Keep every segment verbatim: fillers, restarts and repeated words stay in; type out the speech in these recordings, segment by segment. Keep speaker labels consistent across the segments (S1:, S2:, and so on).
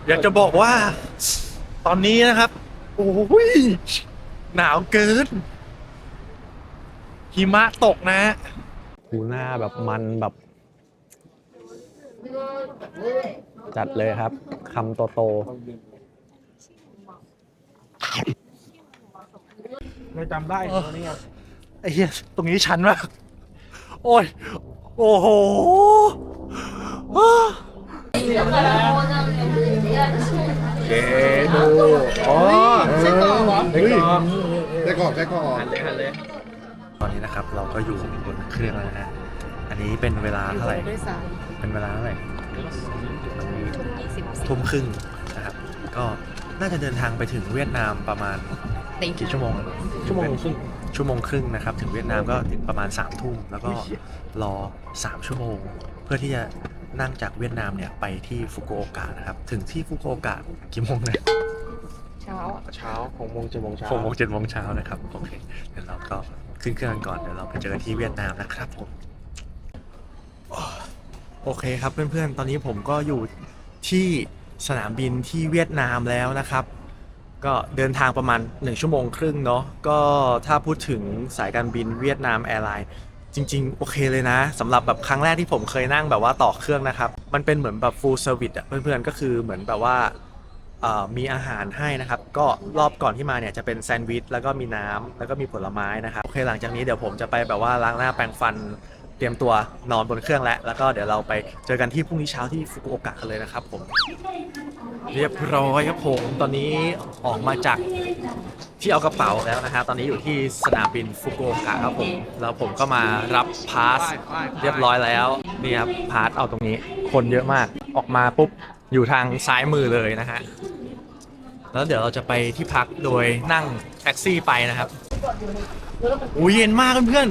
S1: อยากจะบอกว่าตอนนี้นะครับโอ้ยหนาวเกินหิมะตกนะหูหน้าแบบมันแบบจัดเลยครับคำโตโต
S2: ไม่จำได้ตัวนี้ครับ
S1: ไอ้เหี้ยตรงนี้ชันมากโอ้ยโอ้โหเกดูอ๋อใช่กรอกเหรอใช่กรอกใช่กรอกใช่กรอกหันเลยหันเลยตอนนี้นะครับเราก็อยู่บนเครื่องแล้วนะฮะอันนี้เป็นเวลาเท่าไหร่เป็นเวลาเท่าไหร่ทุ่มครึ่งนะครับก็น่าจะเดินทางไปถึงเวียดนามประมาณกี่ชั่วโมงชั่วโมงครึ่งชั่วโมงครึ่งนะครับถึงเวียดนามก็ถึงประมาณสามทุ่มแล้วก็รอสามชั่วโมงเพื่อที่จะนั่งจากเวียดนามเนี่ยไปที่ฟุกุโอกะนะครับถึงที่ฟุกุโอกะกี่โมงเนี่ย
S2: เช้าเช้าหกโมงเจ็ดโมงเช้า
S1: หกโมงเจ็ดโมงเช้านะครับโอเคเดี๋ยวเราก็ขึ้นเครื่องก่อนเดี๋ยวเราไปเจอกันที่เวียดนามนะครับผมโอเคครับเพื่อนๆตอนนี้ผมก็อยู่ที่สนามบินที่เวียดนามแล้วนะครับก็เดินทางประมาณหนึ่งชั่วโมงครึ่งเนาะก็ถ้าพูดถึงสายการบินเวียดนามแอร์ไลน์จริงๆโอเคเลยนะสำหรับแบบครั้งแรกที่ผมเคยนั่งแบบว่าต่อเครื่องนะครับมันเป็นเหมือนแบบ full service อ่ะเพื่อนๆก็คือเหมือนแบบว่ามีอาหารให้นะครับก็รอบก่อนที่มาเนี่ยจะเป็นแซนด์วิชแล้วก็มีน้ำแล้วก็มีผลไม้นะครับโอเคหลังจากนี้เดี๋ยวผมจะไปแบบว่าล้างหน้าแปรงฟันเตรียมตัวนอนบนเครื่องแล้วแล้วก็เดี๋ยวเราไปเจอกันที่พรุ่งนี้เช้าที่ฟุกุโอกะกันเลยนะครับผมเรียบร้อยครับผมตอนนี้ออกมาจากที่เอากระเป๋าแล้วนะฮะตอนนี้อยู่ที่สนามบินฟุกุโอกะครับผมแล้วผมก็มารับพาสเรียบร้อยแล้วนี่ครับพาสเอาตรงนี้คนเยอะมากออกมาปุ๊บอยู่ทางซ้ายมือเลยนะฮะแล้วเดี๋ยวเราจะไปที่พักโดยนั่งแท็กซี่ไปนะครับอุ้ยเย็นมากเพื่อน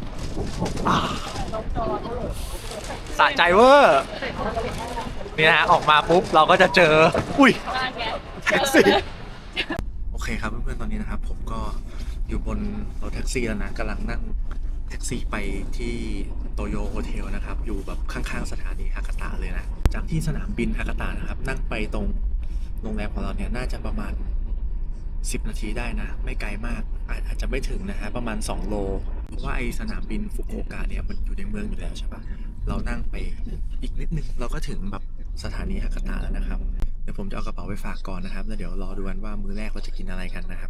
S1: ๆสะใจเวอร์นี่นะฮะออกมาปุ๊บเราก็จะเจออุ้ยแท็กซี่โอเคครับเพื่อนๆตอนนี้นะครับผมก็อยู่บนรถแท็กซี่แล้วนะกำลังนั่งแท็กซี่ไปที่โตโยโฮเทลนะครับอยู่แบบข้างๆสถานีฮากาตะเลยนะจากที่สนามบินฮากาตะนะครับนั่งไปตรงโรงแรมของเราเนี่ยน่าจะประมาณสิบนาทีได้นะไม่ไกลมากอาจจะไม่ถึงนะฮะประมาณสองโลเพราะว่าไอสนามบินฟุกุโอกะเนี่ยมันอยู่ในเมืองอยู่แล้วใช่ปะเรานั่งไปอีกนิดนึงเราก็ถึงแบบสถานีฮากาตะแล้วนะครับเดี๋ยวผมจะเอากระเป๋าไปฝากก่อนนะครับแล้วเดี๋ยวรอดูกันว่ามื้อแรกเราจะกินอะไรกันนะครับ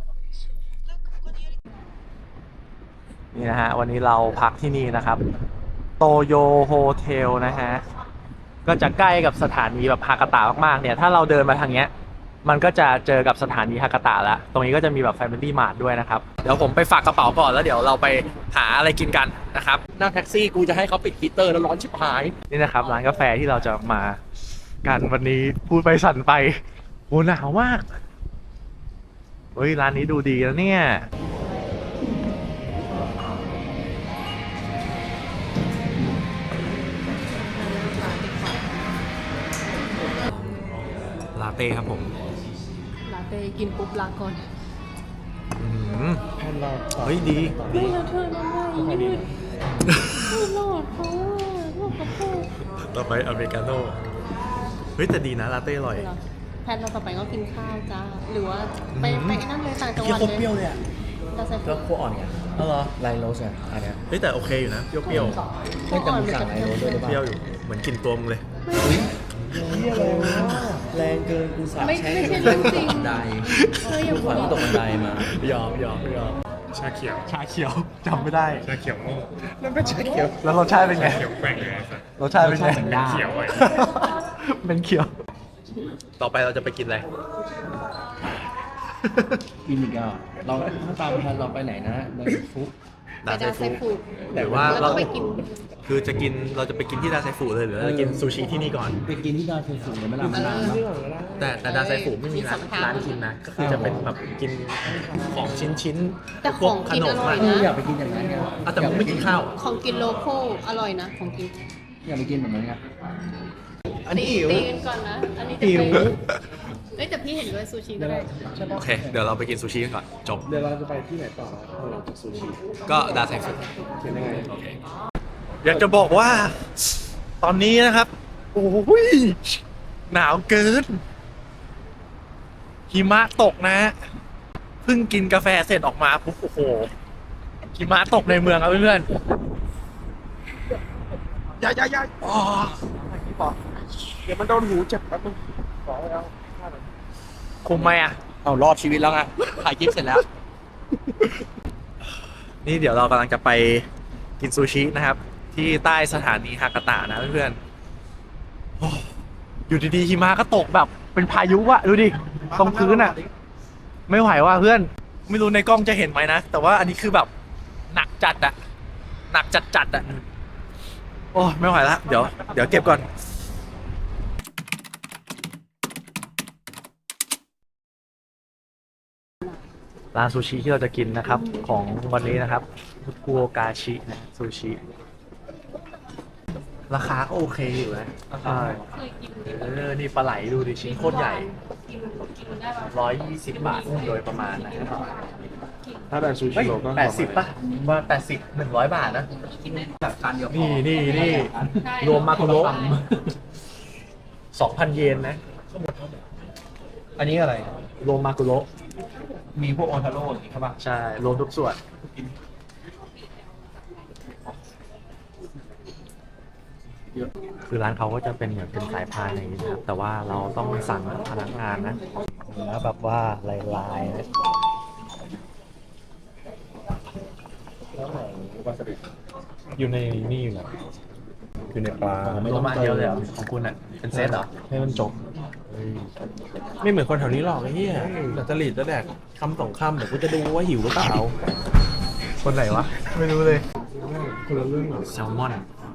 S1: นี่นะฮะวันนี้เราพักที่นี่นะครับโตโยโฮเทลนะฮะก็จะใกล้กับสถานีแบบฮากาตะมากๆเนี่ยถ้าเราเดินมาทางเนี้ยมันก็จะเจอกับสถานีฮากาตะแล้วตรงนี้ก็จะมีแบบ Family Mart ด้วยนะครับเดี๋ยวผมไปฝากกระเป๋าก่อนแล้วเดี๋ยวเราไปหาอะไรกินกันนะครับนั่งแท็กซี่กูจะให้เขาปิดฮีตเตอร์แล้วร้อนชิบหายนี่นะครับร้านกาแฟที่เราจะมากันวันนี้พูดไปสั่นไปโหหนาวมากเฮ้ยร้านนี้ดูดีแล้วเนี่ยลาเต้ครับผม
S3: ลาเต้กินปุ๊บลาก่อน
S1: แผ่นรอดเฮ้ยดี
S3: ดีแล้วเธอทำไมยืดไม่รอดเขาลูกกระโปง
S1: ต่อไปอเมริกาโน่เฮ้ยแต่ดีนะลาเต้อร่อย
S3: แพนเราต่อไปก็กินข้าวจ้าหรือว่าไปไปนั่งเลยต่างจังหวัดเลย
S1: เปรี้ยวเลยอ่ะ
S2: ก็คั่วอ่อนไง
S1: อ๋อเหรอ
S2: ไลโรสอ่ะอันเนี้ย
S1: เฮ้ยแต่โอเคอยู่นะเปรี้ยว
S2: ไม่แต่มึงสั่งไลโรสด้วยหรือเปล่า
S1: เปรี้ยวอยู่เหมือนกินตัวมึงเลย
S2: เฮียอะไรวะแรงเกินกูสาบแช่ง
S3: ไม่ใช่เรื่องจริง
S2: บันไดกูขวัญตกบันไดมาย
S1: อมยอมยอม
S4: ชาเขียว
S1: ชาเขียวจำไม่ได้
S4: ชาเขียวโม่
S1: นั่นเป็นชาเขียวแล้วรสชาติเป็นไง
S4: เขียวแกว่งเลย
S1: รสชาติเป็นไง
S4: เขียวไว้
S1: เป็นเขียวต่อไปเราจะไปกินอะไร
S2: กินอีกอ่ะเราถ้าตามทันเราไปไหนนะในฟุก
S1: ดาไซฟูหรือว่าเราไปกินคือจะกินเราจะไปกินที่ดาไซฟูเลยหรือเราจะกินซูชิที่นี่ก่อน
S2: ไปกินที่ดาไซฟูเลยไม่ลำบาก
S1: แต่แต่ดาไซฟูไม่มีร้านร้านกินนะก็คือจะเป็นแบบกินของชิ้นชิ้น
S3: แต่ของกินอร่อยนะ
S2: อยากไปกินอย่างนั้นไง
S1: แต่ไม่กินข้าว
S3: ของกินโลโก้อร่อยนะของกิน
S2: อยากไปกินแบบนั้นไง
S1: อันนี้หิว
S3: ตีกันก่อนนะอันนี้หิวเอ้ยแต่พี่เห็นด้วยซูชิก็ได้
S1: โอเคเดี๋ยวเราไปกินซูชิกันก่อนจบ
S2: เดี๋ยวเราจะไปที่ไหนต่อหลังจากซูชิ
S1: ก็ดาไซฟู
S2: เป็นยังไง
S1: โอเคอยากจะบอกว่าตอนนี้นะครับโอ้ยหนาวเกินหิมะตกนะฮะเพิ่งกินกาแฟเสร็จออกมาปุ๊บโอ้โหหิมะตกในเมืองครับเพื่อนๆอย่าอย่าอย่าอ๋อเดี๋ยวมันโดนหูเจ็บแป๊บนึงขอแล้วคุมไหมอ่ะ
S2: เอารอดชีวิตแล้วไงถ่ายคลิปเสร็จแล้ว
S1: นี่เดี๋ยวเรากำลังจะไปกินซูชินะครับ ที่ใต้สถานีฮากาตะนะเพื่อนๆโอ้อยู่ดีๆหิมะก็ตกแบบเป็นพายุอะดูดิตรงพื้นอะไม่ไหวว่ะเพื่อน ไม่รู้ในกล้องจะเห็นไหมนะ แต่ว่าอันนี้คือแบบหนักจัดอะหนักจัดจัดอะโอ้ไม่ไหวละเดี๋ยวเดี๋ยวเก็บก่อนร้านซูชิที่เราจะกินนะครับของวันนี้นะครับฟุกุโอกาชินะซูชิราคาก็โอเคอยู่นะใช่
S3: เคยกิน
S1: เออนี่ปลาไหลดูดิชิ้นโคตรใหญ่
S3: กินกินได้ปะ
S1: ร้อยยี่สิบบาทโดยประมาณนะครับ
S4: ถ้าแบบซู
S1: เฮ้
S4: ชิ
S1: ย
S4: โร่ก็
S1: แปดสิบป่ะว่าแปดสิบหนึ่งร้อยบาทนะ
S2: กินแบบการเดียว
S1: นี่นี่นี่รวมมาคุโระสองพันเยนนะ
S2: อันนี้อะไร
S1: รวมมาคุโระ
S2: มีพวกออนทาโร่อย่างนี้ใช่ป่ะ
S1: ใช่ รวมทุกส่วน คือร้านเขาก็จะเป็นเหมือนเป็นสายพานอย่างนี้นะครับ แต่ว่าเราต้องสั่งพนักงานนะเนื้อแบบว่าลายๆนะ
S4: อยู่ในนี่อยู่แล้วอยู่ในปลาไม่
S1: ร
S4: ต้
S1: ว
S4: อ
S1: ม
S4: ง
S1: มาอันเดียวเลยเหรอของคุณอ่ะ เป็นเซตเหรอ
S4: ให้มันจบไม่เหมือนคนแถวนี้หรอกไอ้เหี้ยแต่จริตแล้วแดกคำสองคำเดี๋ยวกูจะดูว่าหิวหรือเปล่า
S1: คนไหนวะ ไม่รู้เลย
S4: คนละเรื่องหรอ
S1: แซลมอน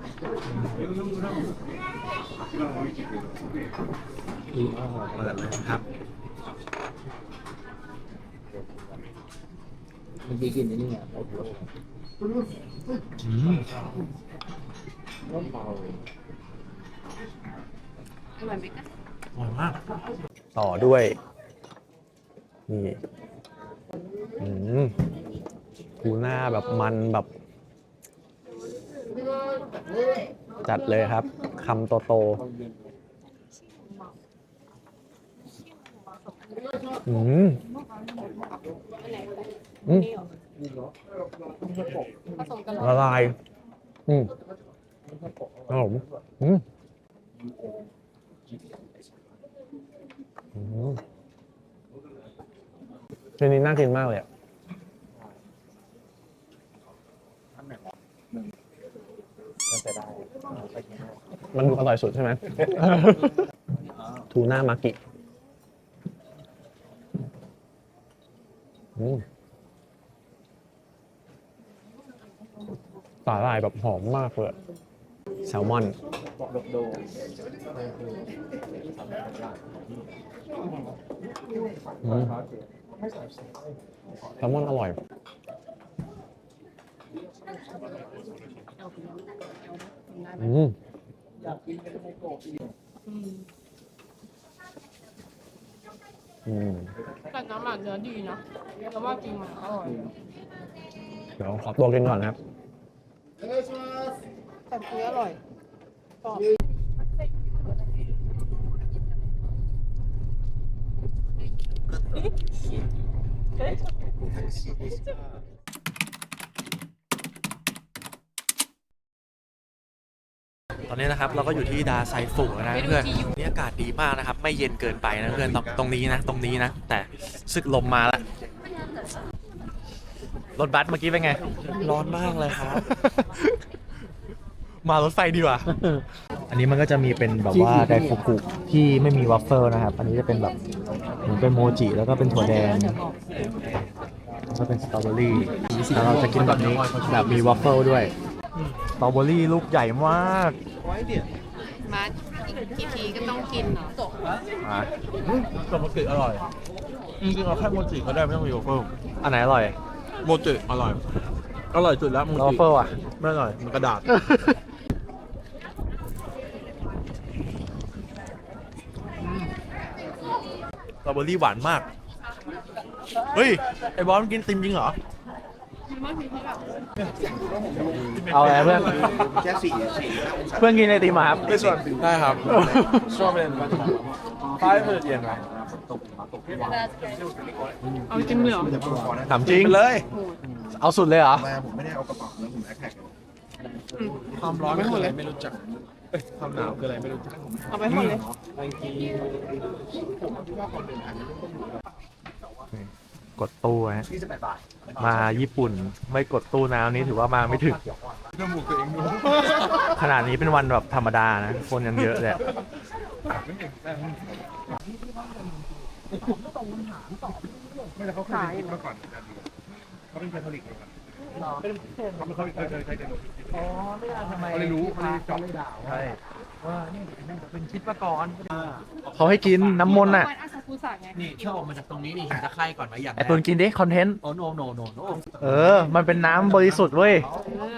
S1: เปิดเลยครับ
S2: เมื่อกี้กินนี่ไง
S1: อืม
S3: อร่อยไหมคะ
S1: อร่อยมาก ต่อด้วย นี่อืมทูน่าแบบมันแบบ จัดเลยครับคำโตโตๆอืมอืม
S3: ผสมกันเหรอ
S1: ละลาย อืมครับผมอืมอืมทีนี้น่ากินมากเลยอะมันดูอร่อยสุดใช่ไหม ทูน่ามากิอืมสาหร่ายแบบหอมมากเลย แซลมอน อืมแซลมอนอร่อย อืม อืม
S3: แต่น้ำหมักเนื้อดีนะแต่ว่าจริงมันอร่อย
S1: เดี๋ยวขอตัวกินก่อนนะครับ
S3: แต่คืออร่อยกรอบ
S1: ตอนนี้นะครับเราก็อยู่ที่ดาไซฟุแล้วนะเพื่อนนี่อากาศดีมากนะครับ ไม่เย็นเกินไปนะเพื่อนตรงตรงนี้นะ ตรงนี้นะ แต่ซึกลมมาแล้วรถบัสเมื่อกี้เป็นไง
S4: ร้อนมากเลยครับ
S1: มารถไฟดีกว่า อันนี้มันก็จะมีเป็นแบบว่าไดฟุกุที่ไม่มีวัฟเฟิลนะครับ อันนี้จะเป็นแบบเหมือนเป็นโมจิแล้วก็เป็นถั่วแดงแล้วก็เป็นสตรอเบอรี่แล้วเราจะกินแบบนี้แบบมีวัฟเฟิลด้วยสตรอเบอรี่ลูกใหญ่มาก
S3: มาอีกกี่ทีก็ต้องกินเนาะ
S1: อ่ะ
S4: แต่โมจิอร่อยจริงๆเอาแค่โมจิก็ได้ไม่ต้องมีโยเกิร์ต
S1: อันไหนอร่อย
S4: โมจิอร่อย อร่อยสุดแล้วโม
S1: แล้ววั
S4: จิ
S1: ฟเฟิลอ่ะ
S4: ไม่อร่อยมันกระดาษ
S1: สตรอเบอรี่หวานมาก เฮ้ย ไอ้บอสมันกินติมจริงเหรอ
S3: มากถึงเขาแบบ
S1: เอาอะไรเพื่อนเพื่อนกินไอติมมาครับ
S4: ไม่ส่วนได้ครับชอบเป็นป้ายเพื่อนเย็นไหม
S3: เอาจริงเลยเหรอ
S1: ถามจริง
S4: เลย
S1: เอาสุดเลยเหรอ
S4: ความร้อนคืออะไรไม่รู้จักเอ้ยความหนาวคืออะไรไม่รู้จัก
S3: เอาไปหมดเลย
S1: กดตู้ฮะมาญี่ปุ่นไม่กดตู้น้ำนี้ถือว่ามาไม่ถึงขนาดนี้เป็นวันแบบธรรมดานะ คนยังเยอะเลยอะใช่เขาให้กินน้ำมนต์อ่ะ
S3: วันอาซากุสะไง
S2: นี่ชอบออกมาจากตรงนี้นี่เห็นตะไคร่ก่อนไหมอย่าง
S1: ไอตุนกินดิ คอนเทนต์
S2: โอ้โนโนโนโน
S1: เออ มันเป็นน้ำบริสุทธิ์เว้ย
S3: เออ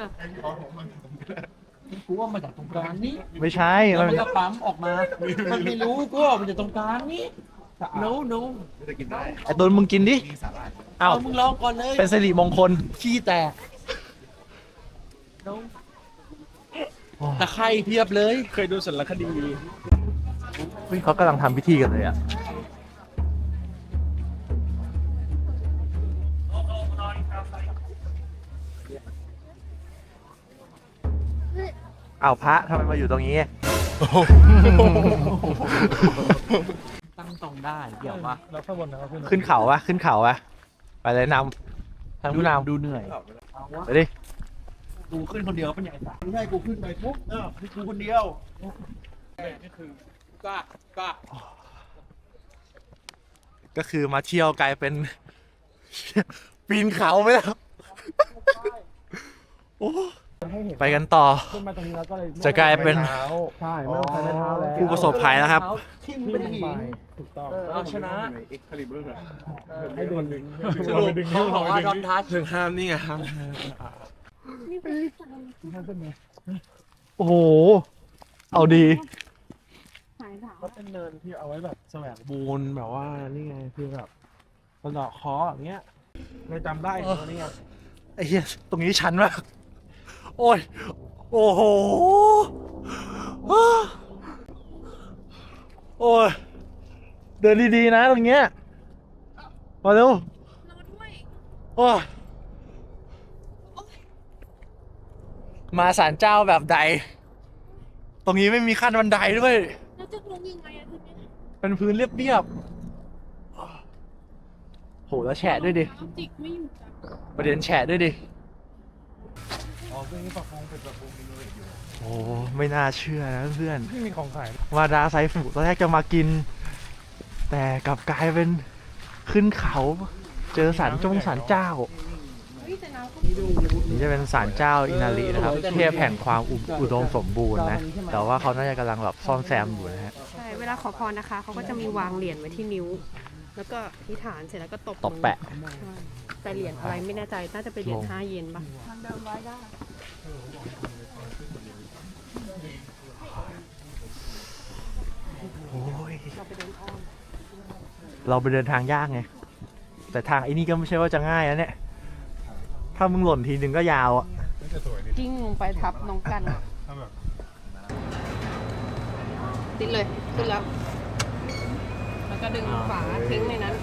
S2: กูว่ามาจากตรงกลางนี้
S1: ไม่ใช่
S2: แล้ว
S1: มัน
S2: มันก็ปั๊มออกมา มันไม่รู้กูว่ามันจากตรงกลางนี้โนโน
S1: ไอตุนมึงกินดิ เอ้า
S2: เอามึงลองก่อนเลย
S1: เป็นสิริมงคล
S2: ขี้แตกโนตะไคร่เพียบเลย
S4: เคยดูสารคดี
S1: เฮ้ยเขากำลังทำพิธีกันเลยอ่ะ อ้าวพระทำไมมาอยู่ตรงนี้
S2: ตั้งตรงได้เกี่ยวปะ
S4: แล้วข้างบนนะครับขึ้น
S1: ขึ้นเขาวะขึ้นเขาวะไปเลยนำทางผู้นำ
S2: ดูเหนื่อย
S1: ไปดิ
S2: กูขึ้นคนเดียวเป็นใหญ่สัส
S4: ไม่ใช่กูขึ้นไปปุ๊บเออกูคนเดียวนี่คือก
S2: ล้า กล้า
S1: ก็คือมาเที่ยวกลายเป็น ปีนเขาไปแล้วโอ้ไปกันต่อ
S4: ขึ้นมาตรงนี้แล้วก็เลย
S1: จะกลายเป็น
S4: ใช่ไม่ต้องใช้ไม้เท้าแล้ว
S1: ผู้ประสบภัยแล้วครับ
S2: ทิ่มไปที่หิน
S4: ถูกต้อง
S2: เอาชนะ
S4: ให้โดนดึง
S2: สรุปเขาบอกว่าดอนทัช
S4: ถึงห้ามนี่ไงครับ
S3: นี่เป็นที่สาม
S1: โอ้โห เอาดี
S3: หายถาม
S4: ก็เป็นเนินที่เอาไว้แบบแสวงบูนแบบว่านี่ไงคือแบบสะเดาะเคออย่างเงี้ยไม่จำได้ตัวนี้ไง
S1: ไอ้เหี้ย ตรงนี้ชันมาก โอ้ย โอ้โห โอ้ย เดินดีๆนะตรงเนี้ย มาเร็ว
S3: นอนด้วย
S1: โอ้ยมาศาลเจ้าแบบใด ตรงนี้ไม่มีขั้นบันไดด้วย
S3: แล้วจะลงยังไงอะทีนี้
S1: เป็นพื้นเรียบๆ โห แล้วแฉะด้วยดิ
S3: น้ำจิกไม่อยู่จ้ะ
S1: ประเด็นแฉะด้วยดิ
S4: อ๋อเรื่องนี้ปรับปรุงเป็นปรับปรุงมีเลยอยู่
S1: โอ้ไม่น่าเชื่อนะเพื่อน
S4: ไม่มีของขาย
S1: วาดาไซฟุตอนแรกจะมากิน แต่กลับกลายเป็นขึ้นเขา เจอศาลจงศาลเจ้า
S3: เฮ้ยแต่น้ำก็
S1: นี่จะเป็นศาลเจ้าอินารินะครับเทพแห่งความอุอุดมสมบูรณ์นะ แต่ว่าเขาน่าจะกำลังแบบซ่อมแซมอยู่นะฮะ
S3: ใช่ เวลาขอพรนะคะ เขาก็จะมีวางเหรียญไว้ที่นิ้ว แล้วก็อธิษฐานเสร็จแล้วก็ตบ
S1: ตบแปะ
S3: มือใช่แต่เหรียญอะไรไม่แน่ใจ น่าจะเป็นเหรียญ
S1: ลง
S3: ห้าเยนป่ะทางเดินไว้ได้
S1: โอ้ย
S3: เราไปเดินอ้อม
S1: เราไปเดินทางยากไง แต่ทางไอ้นี่ก็ไม่ใช่ว่าจะง่ายนะเนี่ย ถ้ามึงหล่นทีนึงก็ยาวอ่ะ
S4: ไม่จะสวยนี่
S3: กิ้งลงไปทับน้องกัน
S4: ถ้าแบบ
S3: ติดเลยขึ้นแล้ว แล้วก็ดึงฝาทิ้งในนั้น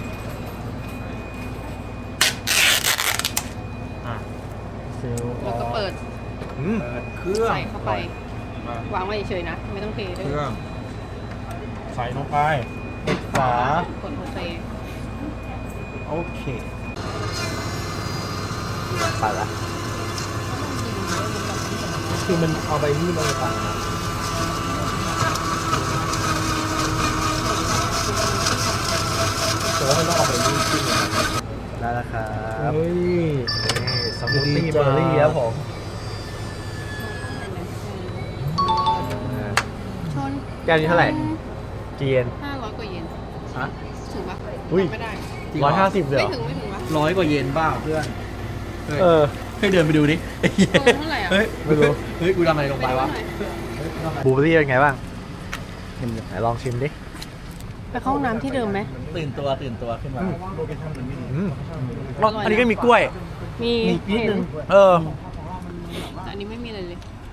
S3: แล้วก็เปิด
S1: อืม
S2: เครื่อง
S3: ใส่เข้าไป วางไว้เฉยๆนะ ไม่ต้องเทด้วย
S4: เครื่องใส่ลงไป
S1: ฝาก
S3: ดโอเค
S1: โอเคไปละ
S4: คือมันเอาไปนี่มาเลยต่างนะ แต่ว่ามันต้องเอาไปนี่ขึ้นเลย
S1: ได้แล้วครับ
S4: เฮ้ย
S1: นี่สมูทตี้เบอร์รี่ครับผม
S3: ชน
S1: แก้วนี้เท่าไหร่กี่เยน
S3: ห้าร้อยกว่าเยน
S2: ฮะ
S3: ถึงปะ
S1: อุ้ย
S3: ไม่ได้
S1: ร้อยห้าสิบเลยเห
S3: ไม่
S1: รอ
S3: ถึงไม่ถึงปะ
S2: ร้อยกว่าเยนบ้าเพื่อน
S1: เออ
S2: ให้เดินไปดูดิ
S3: เออเท่าไหร่อ่ะ
S2: เฮ้ย
S1: ไม่รู้
S2: เฮ้ย กูทำอะไรลงไปวะ
S1: บลูเบอร์รี่เป็นไงบ้างไหนลองชิมดิ
S3: ไปเข้าห้องน้ำที่เดิมไหม
S2: ตื่นตัวตื่นตัวขึ้นมา
S1: อืมอันนี้ก็มีกล้วย
S3: อมี
S4: นิดนึง
S1: เออ
S3: แต่อันนี้ไม่มีอะไรเลย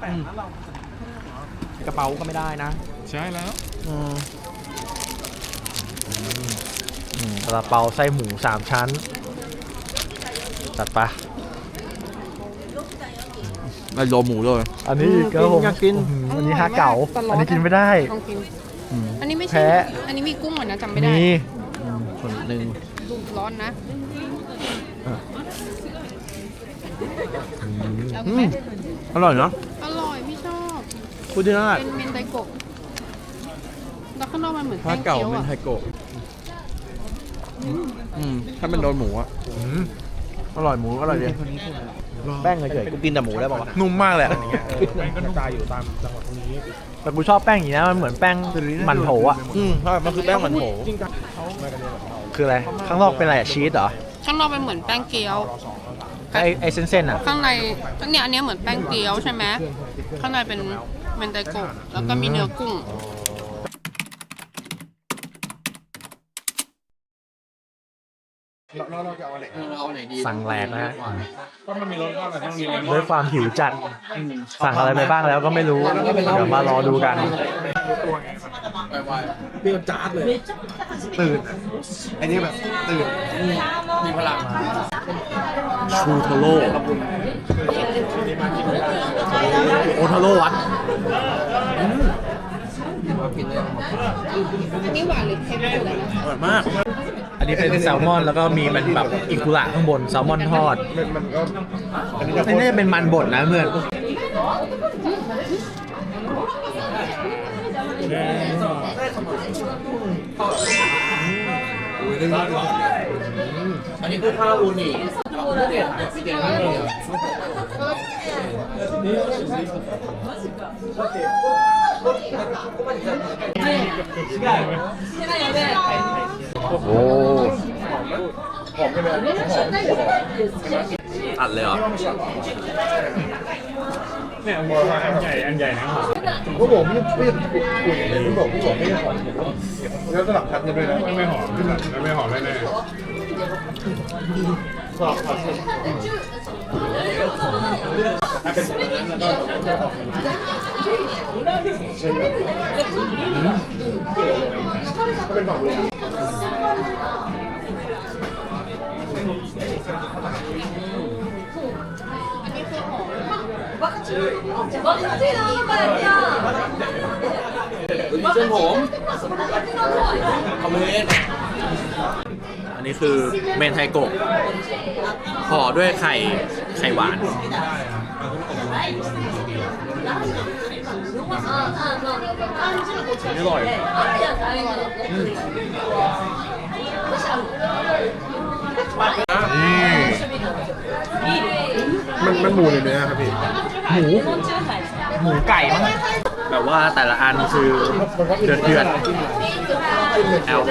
S2: กระเป๋าก็ไม่ได้นะ
S5: ใช่แล้ว
S1: อืมอืมซาลาเปาไส้หมูสามชั้น จัดปะ
S2: ไม่โลหมูเลย
S1: อันนี้ก็ผม
S2: อยากกิน
S1: อื้อหืออันนี้ฮาเก๋า อันนี้กินไม่ได้
S3: ลองกิน
S1: อืม
S3: อันนี้ไม่ใช่
S1: แพ้
S3: อันนี้มีกุ้งเหมือนนะจำไม่ได้
S1: มี
S2: คนหนึ่ง
S3: ดูร้อนนะเอาไหม
S2: อร่อยเนาะ
S3: อร่อยพี่ชอบ
S2: พูดที่นั่น
S3: เป็นเมนไดโกะแล้วข้างนอกมันเหมือน
S2: ผ้า
S3: แป้ง
S2: เก่า
S3: เกี๊ยว
S2: เป็น
S3: อะ
S2: ไทโกะอืมถ้าเป็นโดนหมูอะ
S1: อืมอร่อยหมูอร่อยดีแป้งเฉย
S2: กูกินแต่หมูได้ป่าวะ
S1: ๆนุ่มมากเลยอะ
S4: แป้งก็กระจายอยู่ตามจังหวัดตรงนี้
S1: แต่กูชอบแป้งอย่างนี้นะมันเหมือนแป้งมันโถอ่ะ
S2: อืมใช่มันคือแป้งมันโถ
S4: จริงจังเขามากันเนี่ยแบบเรา
S1: คืออะไร ข้างนอกเป็นอะไรอะชีสเหรอ
S3: ข้างนอกเป็นเหมือนแป้งเกี๊ยว
S1: ไอไอเส้นๆอ่ะ
S3: ข้างในเนี่ยอันเนี้ยเหมือนแป้งเกี๊ยวใช่ไหมข้างในเป็นเมนไดโกะแล้วก็มีเนื้อกุ้ง
S1: สั่งแหลกนะฮะ
S4: ก็มันมีรสก็อะไรต้องมี
S1: ด้วยความหิวจัด สั่งอะไรไปบ้างแล้วก็ไม่รู้ เดี๋ยวมารอดูกัน
S4: เปรี้ยวจ๊าดเลย
S5: ตื่นอะอันนี้แบบตื่น
S2: มีพลัง
S1: ชูโทโร่โอทาโร่วัด
S3: อันนี้หวานหรือเค็มสุดเลยนะ
S2: อร่อยมาก
S1: อันนี้เป็นแซลมอนแล้วก็มีมันแบบอิกุระข้างบนแซลมอนทอด
S5: มันมันก็อันนี้จะ
S1: ไม่น่าจะเป็นมันบดนะเพื่อน
S2: อันนี้คือข้าวอูนิเด็ดเด็ดมากเลย
S1: โอ้โห
S2: อัดเลยเหรอ
S4: เนี่ยบอกว่าอันใหญ่อันใหญ่นะ
S5: ผมก็บอกไม่ไม่คุยอย่างนี้ผมบอกผมบอกไม่ได้หอมแล้วสลับพัดกันด้วยนะ
S4: ไม่หอมไม่หอมแน่
S2: เส้นผมคอมเมนต์
S1: อันนี้คือเมนไทโกะห่อด้วยไข่ไข่หวาน
S2: อร่อย
S5: มันมันหมูเลยไหมครับพี่
S1: หมู หมูไก่มั้งแบบว่าแต่ละอันคือเดือดเดือดแอล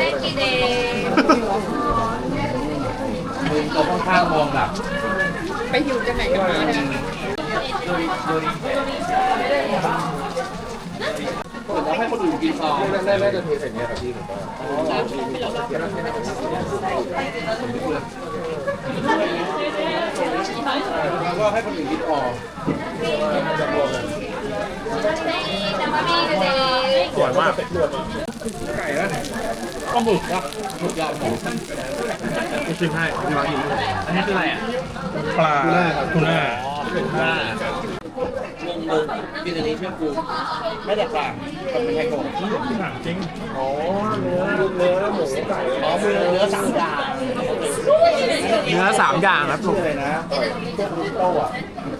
S2: มึงตัวข้างๆมองแบบ
S3: ไปหิวจะไหนกันมาเนี่ย
S2: ผมให้คนอื่นกินต่อ
S5: แรกแรกจะเทใส่เนี้ยครับพี่ผมว่า
S2: แล้วก็ให้คนอื่นกินต่อ
S1: สวยมาก
S2: ก็หมึกนะหมึกยาวหมู
S1: ชิมให้พี่มากินอันนี้คืออะไรอ่ะ
S4: ปลาทูน่า
S1: เป็นหน้าง
S2: งงกินอันนี้เชื่อกูไม่แตกต่างกับเป็นไทโกะ
S4: ถามจริง
S2: อ๋อเนื้อเนื้อหมูไก่อ๋อเนื้อเนื้อสามอย่าง
S1: เนื้อสามอย่างครับลูก
S2: เลยนะโต้อะ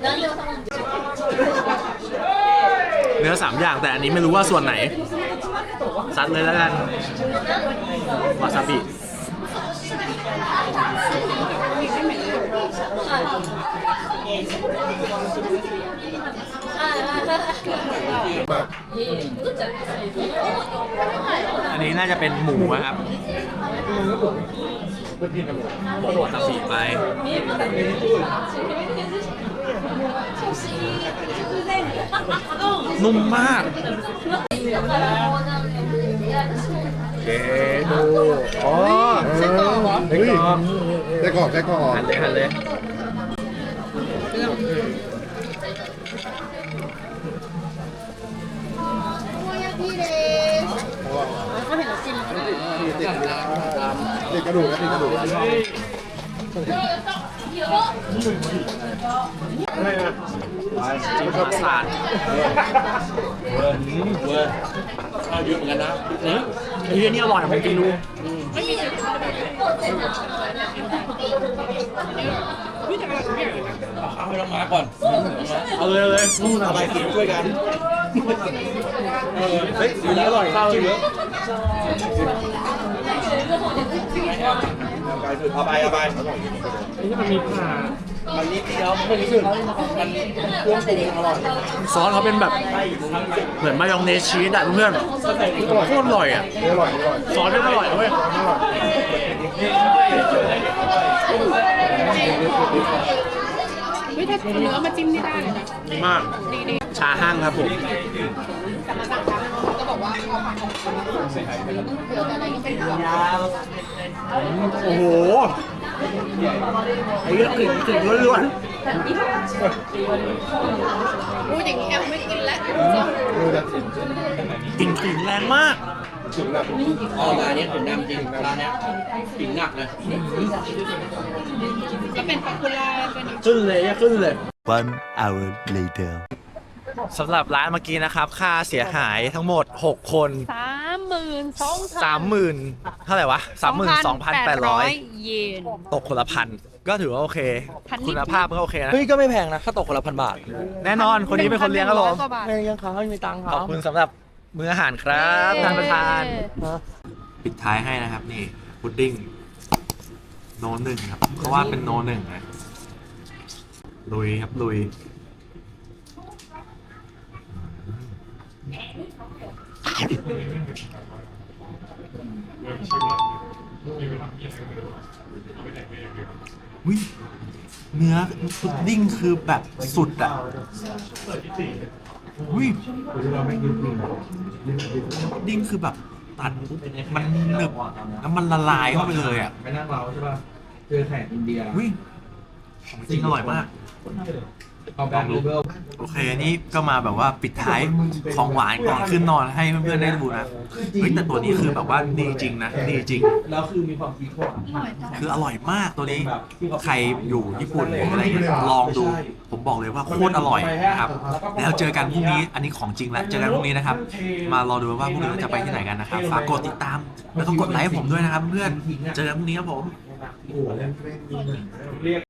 S1: เนื้อสามอย่างแต่อันนี้ไม่รู้ว่าส่วนไหน ซัดเลยแล้วกัน วาซาบิ อันนี้น่าจะเป็นหมูนะครับบอกวาซาบิไป นุ่มมากเกดูอ๋อ
S3: ไส้กรอกเหรอ
S5: เฮ้ยได้กรอบได้กรอบ
S1: หันเลยหันเลย
S5: ติดกระดูกนะติดกระดูก
S1: จิ้มรสชาติ
S2: เวอร์เวอร์ข้าวเยอะเหมือนกันนะ
S1: ไอ้เหี้ยนี่อร่อยผมกินดู
S2: เอาให้เรามาก่อน
S1: เอาเลยเอาเลย
S2: เอาไปกินช่วยกันเฮ้ยอันนี้อร่อยข้าวเยอะเอาไปเอาไปนี่มันมีผ่ามันนิดเดียวไม่รู้สึกมันเครื่องปรุงอร่อย
S1: ซอสเขาเป็นแบบเหมือนมายองเนสชีสอะเพื่อนโคตรอร่อยอะ
S5: อร่อยอร่อย
S1: ซอสนี่อร่อยเว้ย
S3: เฮ้ยถ้าเนื้อมาจิ้มนี่ได้เลยนะ
S1: ดีมาก
S3: ดีดี
S1: ชาห้างครับผม
S3: แต่มาสั่งร้านเขาก็บอกว่าเอาผักของเขาเผื่อแต่อะไรก็เป็นผัก
S1: โอ้โหไอ้เหี้ยกลิ่นกลิ่นล้วน
S3: พูดอย่างนี้แอมไม่กินแล้ว
S5: ดูนะ
S1: ๆกลิ่นกลิ่นแรงมาก
S5: ถึงแบบ
S2: อ๋อร้านนี้ผมนำจริงร้านเนี้ยกินหนักเลย
S3: ก็เป็นป๊อปปูล่าเป็น
S1: ขึ้นเลยอะขึ้นเลย
S6: One hour later.
S1: สำหรับร้านเมื่อกี้นะครับ ค่าเสียหายทั้งหมด หก คน
S3: สามหมื่นสองพัน
S1: สามหมื่นเท่าไหร่วะ สามหมื่นสองพันแปดร้อย
S3: เยน
S1: ตกคนละพัน ก็ถือว่าโอเค
S3: พันนิด
S1: คุณภาพก็โอเคนะ
S2: เฮ้ยก็ไม่แพงนะถ้าตกคนละพันบาท
S1: แน่นอนคนนี้เป็นคนเลี้ยงครับผม
S3: หนึ่งพันหนึ่งร้อยกว่าบาท
S2: ไม่ยังเขาไม่มีตังค์
S1: ข
S2: เขา
S1: อบคุณสำหรับมื้ออาหารครับท่านประธาน ปิดท้ายให้นะครับนี่พุดดิ้งโนหนึ่งครับเพราะว่าเป็นโนหนึ่งนะลุยครับลุยวิเนื้อพุดดิ้งคือแบบสุดอ่ะวิพุดดิ้งคือแบบตัดปุ๊บมันหนึบแล้วมันละลายเข้าไปเลยอ่ะ
S4: ไปนั่งเราใช่ป่ะเจอแขกอินเดีย
S1: วิของจริงอร่อยมาก
S4: เอาแบงค์รูเบิล
S1: โอเคนี่ก็มาแบบว่าปิดท้ายของหวานก่อนขึ้นนอนให้เพื่อนๆได้ดูนะเฮ้ยแต่ตัวนี้คือแบบว่าดีจริงนะดีจริง
S4: แล้วคือมีความคิดว่า
S1: คืออร่อยมากตัวนี้ใครอยู่ญี่ปุ่นหรืออะไรเงี้ยลองดู ผมบอกเลยว่าโคตรอร่อยนะครับแล้วเจอกันพรุ่งนี้อันนี้ของจริงแล้วเจอกันพรุ่งนี้นะครับ มารอดูว่าพรุ่งนี้เราจะไปที่ไหนกันนะครับฝากกดติดตามแล้วก็กดไลค์ให้ผมด้วยนะครับเพื่อนเจอกันพรุ่งนี้ครับผม
S4: เรียก